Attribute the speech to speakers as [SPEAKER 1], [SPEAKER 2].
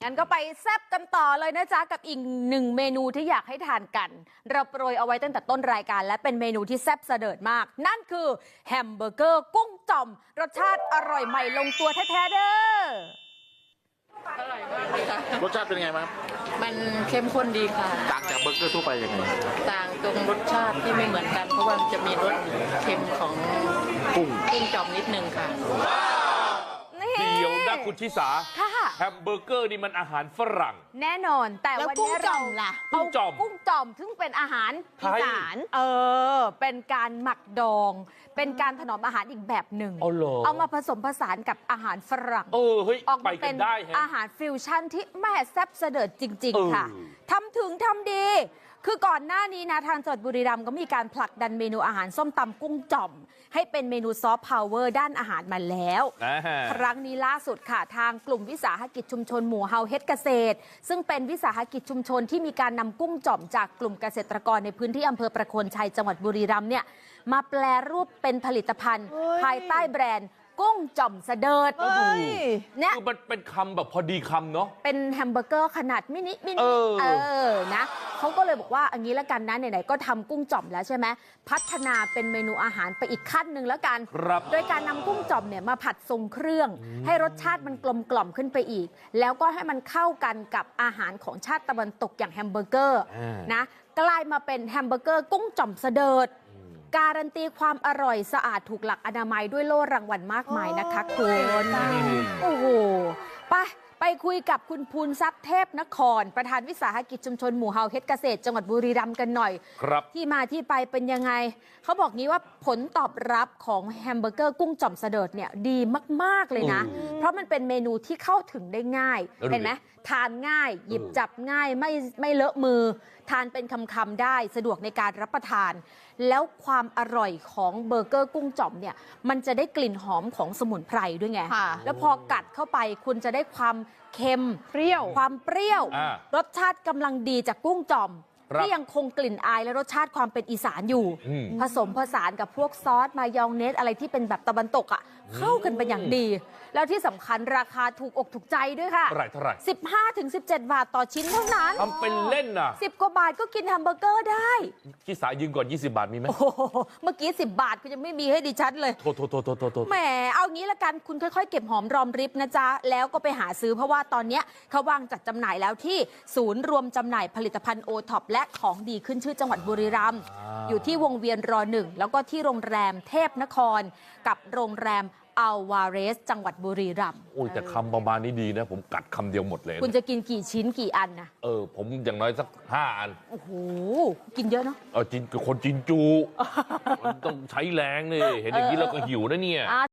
[SPEAKER 1] งั้นก็ไปแซ่บกันต่อเลยนะจ๊ะกับอีกหนึ่งเมนูที่อยากให้ทานกันเราโปรยเอาไว้ตั้งแต่ต้นรายการและเป็นเมนูที่แซ่บเสดิร์ดมากนั่นคือแฮมเบอร์เกอร์กุ้งจ่อมรสชาติอร่อยใหม่ลงตัวแท้ๆเด้อ
[SPEAKER 2] อร่อยมากเลยค่ะ
[SPEAKER 3] รสชาติเป็นไงบ้าง
[SPEAKER 2] มันเข้มข้นดีค่ะ
[SPEAKER 3] ต่างจากเบอร์เกอร์ทั่วไปยังไง
[SPEAKER 2] ต่างตรงรสชาติที่ไม่เหมือนกันเพราะว่ามันจะมีรสเค็มของ
[SPEAKER 3] กุ้ง
[SPEAKER 2] จ่อมนิดนึงค่ะ
[SPEAKER 4] เดี๋ยวนะคุณชิสา
[SPEAKER 1] ค่ะ
[SPEAKER 4] แฮมเบอร์เกอร์นี่มันอาหารฝรั่ง
[SPEAKER 1] แน่นอนแต่วันนี้เรา
[SPEAKER 4] กุ้งจ่อม
[SPEAKER 1] กุ้งจ่อมซึ่งเป็นอาหารอีสานเป็นการหมักดองเป็นการถนอมอาหารอีกแบบหนึ่งเอามาผสมผสานกับอาหารฝรั่ง
[SPEAKER 4] เฮ้ย
[SPEAKER 1] ออกมาเป็นอาหารฟิวชั่นที่แม่แซ่บเสด็จจริงๆค่ะทำถึงทำดีคือก่อนหน้านี้นะทางจังหวัดบุรีรัมย์ก็มีการผลักดันเมนูอาหารส้มตำกุ้งจ่อมให้เป็นเมนูซอฟต์พาวเวอร์ด้านอาหารมาแล้วครั้งนี้ล่าสุดค่ะทางกลุ่มวิสาหกิจชุมชนหมู่เฮาเฮ็ดเกษตรซึ่งเป็นวิสาหกิจชุมชนที่มีการนำกุ้งจ่อมจากกลุ่มเกษตรกรในพื้นที่อำเภอประโคนชัยจังหวัดบุรีรัมย์เนี่ยมาแปลรูปเป็นผลิตภัณฑ์ภายใต้แบรนด์กุ้งจ่อมเสดิร์ด
[SPEAKER 4] เนี่ยคือมันเป็นคำแบบพอดีคำเนาะ
[SPEAKER 1] เป็นแฮมเบอร์เกอร์ขนาดมินินะเขาก็เลยบอกว่าอันนี้แล้วกันนะไหนๆก็ทำกุ้งจ่อมแล้วใช่ไหมพัฒนาเป็นเมนูอาหารไปอีกขั้นหนึ่งแล้วกันโดยการนำกุ้งจ่อมเนี่ยมาผัดทรงเครื่องให้รสชาติมันกลมกล่อมขึ้นไปอีกแล้วก็ให้มันเข้ากันกับอาหารของชาติตะวันตกอย่างแฮมเบอร์เกอร์นะกลายมาเป็นแฮมเบอร์เกอร์กุ้งจ่อมเสดิร์ดการันตีความอร่อยสะอาดถูกหลักอนามัยด้วยโล่รางวัลมากมายนะคะคุณโอ้โหไปคุยกับคุณภูนทรัพย์เทพนครประธานวิสาหกิจชุมชนหมู่เฮาเฮ็ดเกษตรจังหวัดบุรีรัมย์กันหน่อยที่มาที่ไปเป็นยังไงเขาบอกงี้ว่าผลตอบรับของแฮมเบอร์เกอร์กุ้งจ่อมเสดิร์ดเนี่ยดีมากๆเลยนะเพราะมันเป็นเมนูที่เข้าถึงได้ง่ายเห็นไหมทานง่ายหยิบจับง่ายไม่เลอะมือทานเป็นคำๆได้สะดวกในการรับประทานแล้วความอร่อยของเบอร์เกอร์กุ้งจ่อมเนี่ยมันจะได้กลิ่นหอมของสมุนไพรด้วยไงแล้วพอกัดเข้าไปคุณจะได้ความเค็ม
[SPEAKER 2] เปรี้ยว
[SPEAKER 1] ความเปรี้ยวรสชาติกำลังดีจากกุ้งจ่อมที่ยังคงกลิ่นอายและรสชาติความเป็นอีสานอยู่ผสมผสานกับพวกซอสมายองเนสอะไรที่เป็นแบบตะวันตกอ่ะเข้ากันเป็นอย่างดีแล้วที่สำคัญราคาถูกอกถูกใจด้วยค่ะ
[SPEAKER 4] เท่าไหร่
[SPEAKER 1] 15-17 บาทต่อชิ้นเท่านั้น
[SPEAKER 4] ทำเป็นเล่นน่ะ
[SPEAKER 1] 10 กว่าบาทก็กินแฮมเบอร์เกอร์ได้
[SPEAKER 4] ที่สายยืมก่อน20 บาทมีไหม
[SPEAKER 1] เมื่อกี้10 บาทก็ยังไม่มีให้ดิฉันเลย
[SPEAKER 4] โทษ
[SPEAKER 1] แหมเอางี้ละกันคุณค่อยๆเก็บหอมรอมริบนะจ๊ะแล้วก็ไปหาซื้อเพราะว่าตอนนี้เขาวางจัดจำหน่ายแล้วที่ศูนย์รวมจำหน่ายผลิตภัณฑ์โอท็อปและของดีขึ้นชื่อจังหวัดบุรีรัมย์อยู่ที่วงเวียนร1แล้วก็ที่โรงแรมเทพนครกับโรงแรมอัลวาเรสจังหวัดบุรีรัมย์
[SPEAKER 4] โอ้ยแต่คำประมาณนี้ดีนะผมกัดคำเดียวหมดเลย
[SPEAKER 1] คุณจะกินกี่ชิ้นกี่อันนะ
[SPEAKER 4] ผมอย่างน้อยสัก5 อัน
[SPEAKER 1] โอ้โหกินเยอะเนาะ
[SPEAKER 4] กินกับคนจินจูมันต้องใช้แรงเลยเห็นอย่างนี้เราก็หิวนะเนี่ย